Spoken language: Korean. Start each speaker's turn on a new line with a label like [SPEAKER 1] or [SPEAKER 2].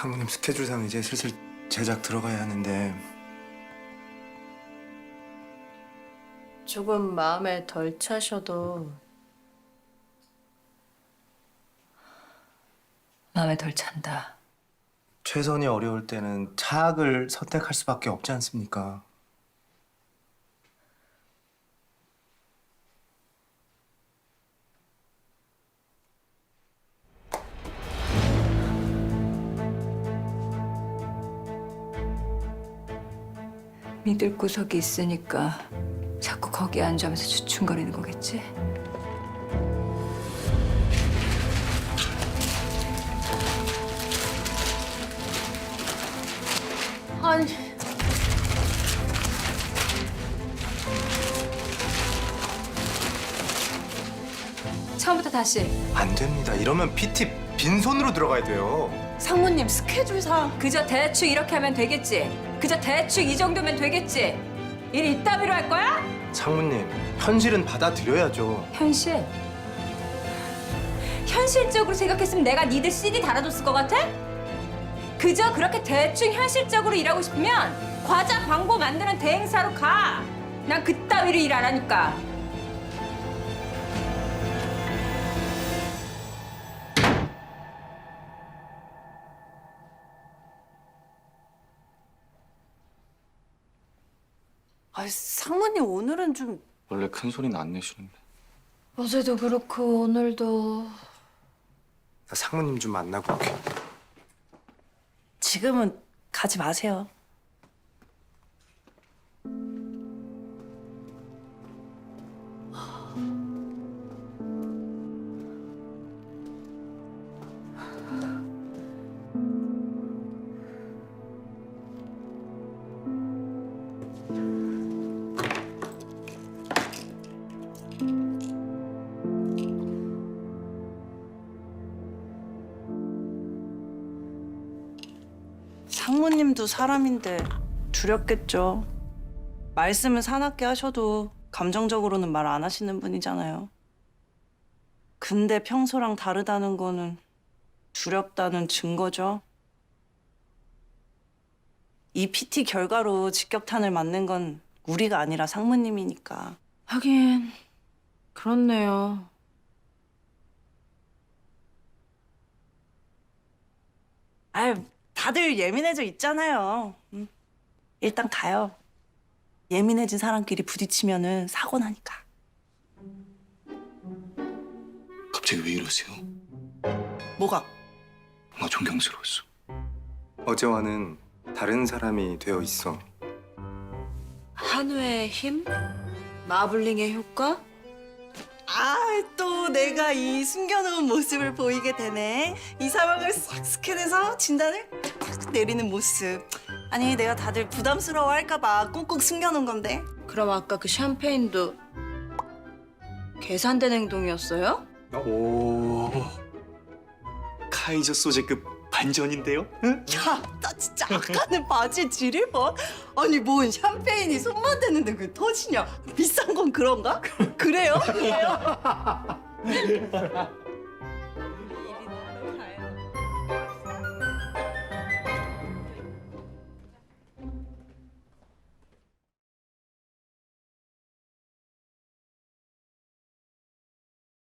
[SPEAKER 1] 상무님 스케줄상 이제 슬슬 제작 들어가야 하는데
[SPEAKER 2] 조금 마음에 덜 차셔도
[SPEAKER 3] 마음에 덜 찬다.
[SPEAKER 1] 최선이 어려울 때는 차악을 선택할 수밖에 없지 않습니까?
[SPEAKER 3] 믿을 구석이 있으니까 자꾸 거기에 앉아면서 주춤거리는 거겠지?
[SPEAKER 2] 아니
[SPEAKER 3] 처음부터 다시.
[SPEAKER 1] 안 됩니다. 이러면 PT 빈손으로 들어가야 돼요.
[SPEAKER 2] 상무님 스케줄상
[SPEAKER 3] 그저 대충 이렇게 하면 되겠지? 그저 대충 이 정도면 되겠지? 일 이따위로 할 거야?
[SPEAKER 1] 상무님, 현실은 받아들여야죠.
[SPEAKER 3] 현실? 현실적으로 생각했으면 내가 니들 CD 달아줬을 것 같아? 그저 그렇게 대충 현실적으로 일하고 싶으면 과자 광고 만드는 대행사로 가. 난 그따위로 일 안 하니까.
[SPEAKER 2] 아 상무님 오늘은 좀
[SPEAKER 4] 원래 큰 소리는 안 내시는데.
[SPEAKER 2] 어제도 그렇고 오늘도
[SPEAKER 1] 나 상무님 좀 만나고 올게.
[SPEAKER 5] 지금은 가지 마세요. 상무님도 사람인데 두렵겠죠. 말씀은 사납게 하셔도 감정적으로는 말 안 하시는 분이잖아요. 근데 평소랑 다르다는 거는 두렵다는 증거죠. 이 PT 결과로 직격탄을 맞는 건 우리가 아니라 상무님이니까.
[SPEAKER 2] 하긴 그렇네요.
[SPEAKER 5] 아유, 다들 예민해져 있잖아요. 일단 가요. 예민해진 사람끼리 부딪히면은 사고 나니까.
[SPEAKER 4] 갑자기 왜 이러세요?
[SPEAKER 5] 뭐가?
[SPEAKER 4] 뭔가 존경스러웠어.
[SPEAKER 1] 어제와는 다른 사람이 되어 있어.
[SPEAKER 2] 한우의 힘? 마블링의 효과?
[SPEAKER 5] 아, 또 내가 이 숨겨놓은 모습을 보이게 되네. 이 상황을 싹 스캔해서 진단을 탁 내리는 모습. 아니, 내가 다들 부담스러워할까 봐 꽁꽁 숨겨놓은 건데.
[SPEAKER 2] 그럼 아까 그 샴페인도 계산된 행동이었어요?
[SPEAKER 4] 오, 카이저 소재급 반전인데요? 응?
[SPEAKER 5] 야, 나 진짜 아까는 바지에 지릴 뻔. 아니, 뭔 샴페인이 손만 대는데 그게 터지냐? 비싼 건 그런가? 그래요? 그래요?